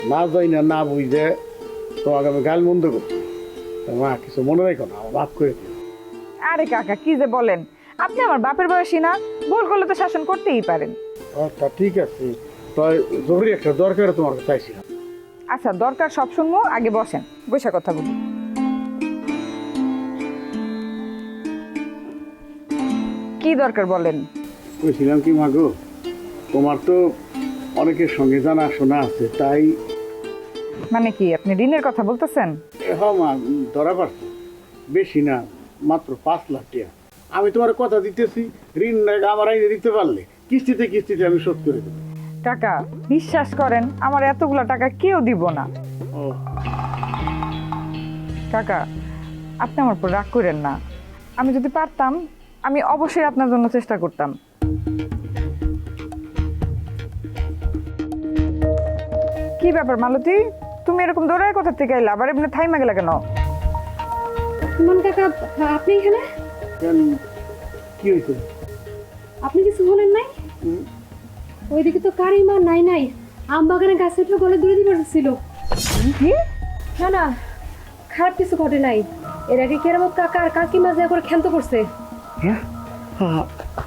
না যাই না না বুঝে তোমাকে আমি গাল মন্দ করছি। মা কিছু মনে রেখো না, আমার বাপ করে দিও। আরে কাকা কি যে বলেন, আপনি আমার বাপের বয়সী না, ভুল করলে তো শাসন করতেই পারেন। আচ্ছা ঠিক আছে, তো জরুরি একটা দরকার তোমার কাছে চাইছিলাম। আচ্ছা দরকার সব শুনবো, আগে বসেন, বসে কথা বলি। কি দরকার বলেন। বলছিলাম কি মাগো, তোমার তো অনেকের সঙ্গে জানা শোনা আছে, তাই মানে কি আপনি ঋণের কথা বলতেছেন? হ্যাঁ মা, ধরা পারছো বেশি না, মাত্র 5 লাখ টাকা। আমি তোমার কথা দিতেছি, ঋণ আমার আইনে দিতে পারলে কিস্তিতে কিস্তিতে আমি শোধ করে দেবো। কাকা বিশ্বাস করেন, আমার এতগুলা টাকা কেউ দিব না। ও কাকা আপনি আমার উপর রাগ করেন না, আমি যদি পারতাম আমি অবশ্যই আপনার জন্য চেষ্টা করতাম। কি ব্যাপার মালতী, তুমি এরকম দৌড়ায় কোথা থেকে এলা, আবার এমনি থাইমা গেলা কেন? সুমন কাকা, আপনি এখানে? কেন, কি হয়েছে? আপনি কিছু বলেন নাই? ওইদিকে তো কারিমা নাই নাই আম বাগানে গাছে উঠে গলে দূরে দিবার ছিল। কি? না না, খারাপ কিছু ঘটে নাই। এর আগে কেরামত কাকা আর কাকিমা যা করে ক্ষান্ত করছে। হ্যাঁ,